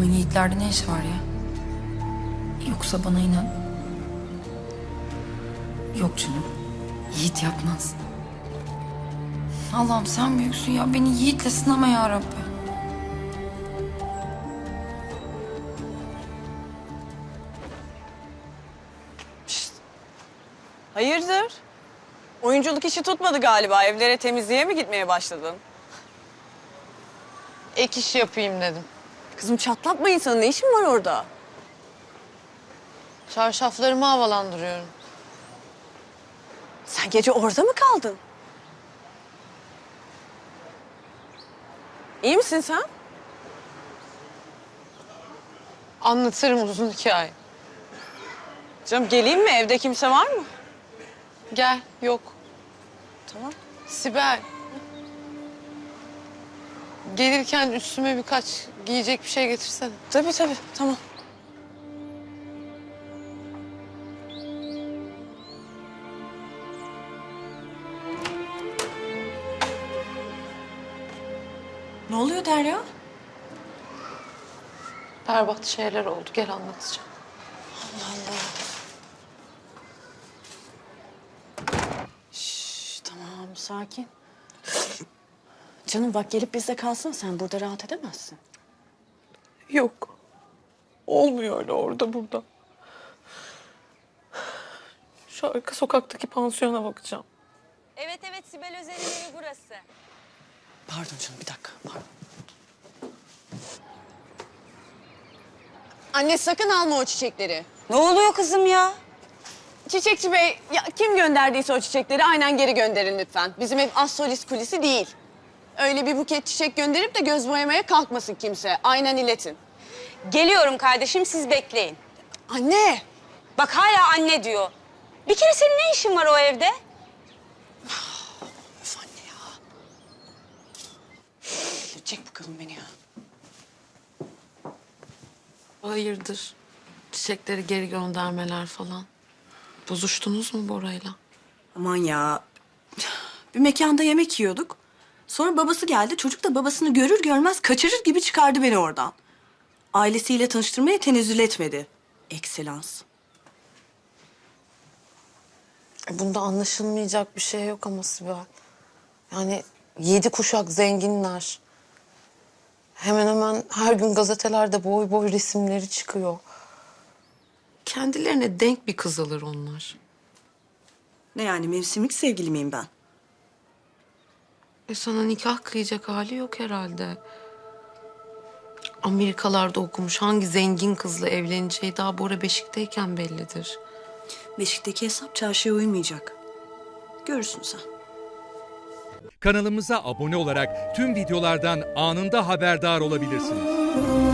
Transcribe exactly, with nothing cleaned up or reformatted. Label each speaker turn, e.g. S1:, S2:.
S1: Bunun Yiğit'lerde ne işi var ya? Yoksa bana inan. Yok canım. Yiğit yapmaz. Allah'ım sen büyüksün ya. Beni Yiğit'le sınama ya Rabbi.
S2: Hayırdır? Oyunculuk işi tutmadı galiba. Evlere temizliğe mi gitmeye başladın?
S3: Ek iş yapayım dedim.
S2: Kızım çatlatma insanı. Ne işin var orada?
S3: Çarşaflarımı havalandırıyorum.
S2: Sen gece orada mı kaldın? İyi misin sen?
S3: Anlatırım uzun hikaye.
S2: Canım geleyim mi? Evde kimse var mı?
S3: Gel, yok.
S2: Tamam.
S3: Sibel. Gelirken üstüme birkaç giyecek bir şey getirsene.
S2: Tabii tabii. Tamam. Ne oluyor Derya?
S3: Berbat şeyler oldu, gel anlatacağım.
S2: Şş, tamam sakin. Canım bak gelip bizde kalsın. Sen burada rahat edemezsin.
S3: Yok. Olmuyor öyle orada burada. Şu arka sokaktaki pansiyona bakacağım.
S4: Evet evet Sibel Özel'in evi burası.
S2: Pardon canım bir dakika. Pardon.
S5: Anne sakın alma o çiçekleri.
S4: Ne oluyor kızım ya?
S5: Çiçekçi bey, ya kim gönderdiyse o çiçekleri aynen geri gönderin lütfen. Bizim ev az solist kulisi değil. Öyle bir buket çiçek gönderip de göz boyamaya kalkmasın kimse. Aynen iletin.
S4: Geliyorum kardeşim siz bekleyin.
S5: Anne!
S4: Bak hala anne diyor. Bir kere senin ne işin var o evde?
S2: Öf anne ya. Çek bakalım beni ya.
S3: Hayırdır? Çiçekleri geri göndermeler falan. Bozuştunuz mu Bora'yla?
S6: Aman ya. Bir mekanda yemek yiyorduk. Sonra babası geldi. Çocuk da babasını görür görmez kaçırır gibi çıkardı beni oradan. Ailesiyle tanıştırmaya tenezzül etmedi. Ekselans.
S3: E, Bunda anlaşılmayacak bir şey yok ama Sibel. Yani yedi kuşak zenginler. Hemen hemen her gün gazetelerde boy boy resimleri çıkıyor. Kendilerine denk bir kız alır onlar.
S6: Ne yani mevsimlik sevgili miyim ben?
S3: E sana nikah kıyacak hali yok herhalde. Amerikalarda okumuş hangi zengin kızla evleneceği daha Bora beşikteyken bellidir.
S6: Beşikteki hesap çarşıya uymayacak. Görürsün sen.
S7: Kanalımıza abone olarak tüm videolardan anında haberdar olabilirsiniz.